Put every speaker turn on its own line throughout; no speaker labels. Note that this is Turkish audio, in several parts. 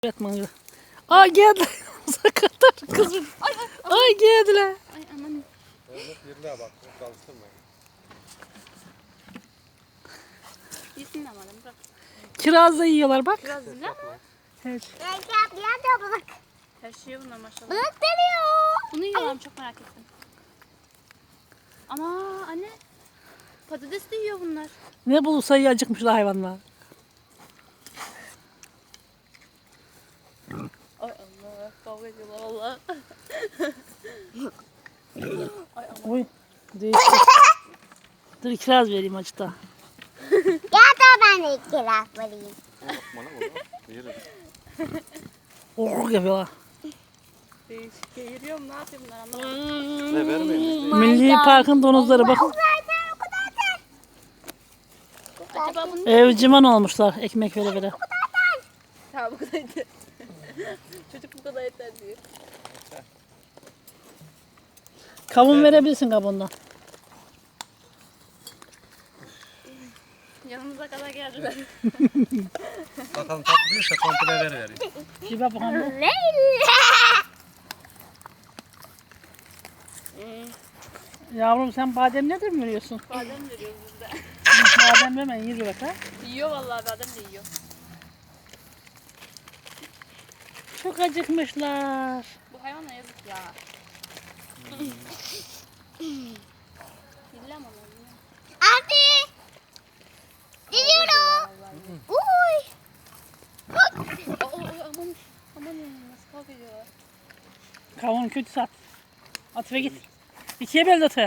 Yatmanı. Ay geldi. Sakatlar kızım. Ay geldiler.
Ay aman.
Evet, yerine bak. Çalıştırmayın.
Yesin ama bırak.
Kiraz da yiyorlar bak.
Biraz dinle ama.
Evet.
Her şey bunlar maşallah.
Balık geliyor.
Bunu yiyorlar çok merak ettim. Ama anne. Patates de yiyor bunlar.
Ne bulursa iyi acıkmışlar hayvanlar.
Ay Allah. Kavga ediyorlar valla. Ay aman.
Oy. Değişti. Dur kiraz vereyim acıda.
Ya da ben de iki laf vereyim.
Bana bunu yerim.
Oh yapıyorlar.
Değişik. Geğiriyorum ne yapayım bunlar anlamadım.
Ne vermeyin.
Milli Park'ın donuzları bakın.
O kadar da.
Acaba bunu
Evcimen olmuşlar ekmek vere vere.
Ha bu kadar yeter. Çocuk bu kadar yeter diyor.
Kavun verebilirsin kabuğundan.
Yanımıza kadar geldiler.
Bakalım tatlı değilse komple vereyim.
Bir bak bakalım. Yavrum sen badem nedir mi veriyorsun?
Badem veriyoruz biz de.
Badem hemen yürü bak ha.
Yiyor vallahi badem de yiyor.
Çok acıkmışlar.
Bu hayvana yazık ya. Dille ama onu.
Abi. Gidiyorum. Uy.
Aman. Aman nasıl kavga ediyorlar.
Kavun kötü sat. At ve git. İkiye böl atı.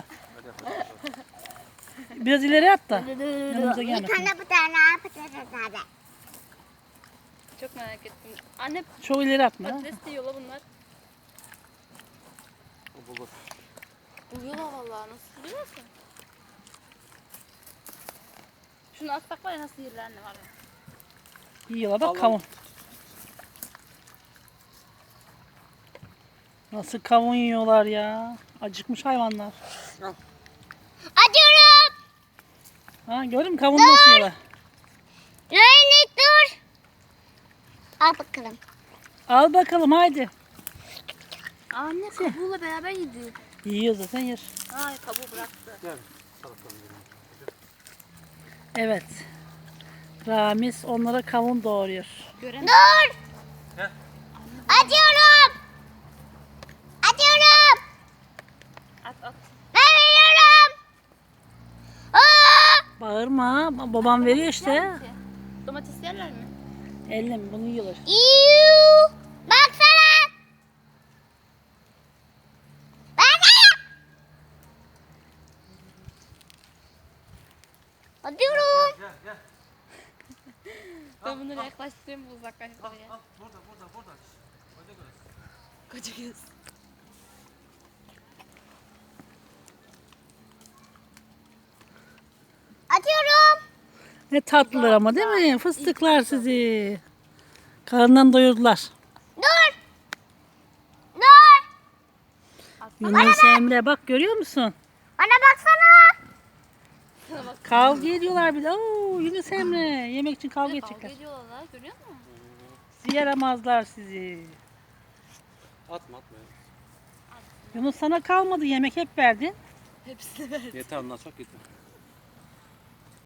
Biraz ileri at da. Yanımıza
Bir
gelmesin.
tane bu tane patates nerede?
Çok merak ettim. Anne
Çok ileri atma. Ha.
patates de yiyorlar bunlar.
Bulur.
Uyuyorlar vallahi nasıl biliyor musun? Şunu atsak var ya nasıl yerler ne var ya.
Yiyorlar bak kavun. Nasıl kavun yiyorlar ya. Acıkmış hayvanlar.
Atıyorum.
Ha gördün mü kavun nasıl yiyorlar.
Reynik dur. Al bakalım.
Al bakalım haydi.
Anne kabuğuyla beraber yedi.
Yiyor zaten yer.
Ay kabuğu bıraktı.
Gel. Salatadan vereyim.
Evet. Ramiz onlara kavun doğuruyor.
Gören
Dur.
Heh.
Atıyorum. Atıyorum.
at at.
Ben veriyorum. Aa!
Bağırma. Babam veriyor işte.
Yer ki. Domates yerler mi?
Elle mi? Bunu yiyorlar.
İyu. Baksana. Bana. Atıyorum.
Gel gel.
Ben bunları yaklaştırayım bu uzaklaştırayım.
Burada. Hadi göre.
Koca göz.
Atıyorum.
Ne tatlılar ama değil mi? Fıstıklar sizi. Karnından doyurdular.
Dur. Dur.
Yunus Emre bak görüyor musun?
Bana baksana.
Kavga ediyorlar bir de. Oo, Yunus Emre yemek için kavga
Kavga
edecekler.
ediyorlar görüyor musun?
Yaramazlar sizi.
Atma.
Yunus sana kalmadı yemek hep verdin.
Hepsini ver.
Yeter ondan çok yeter.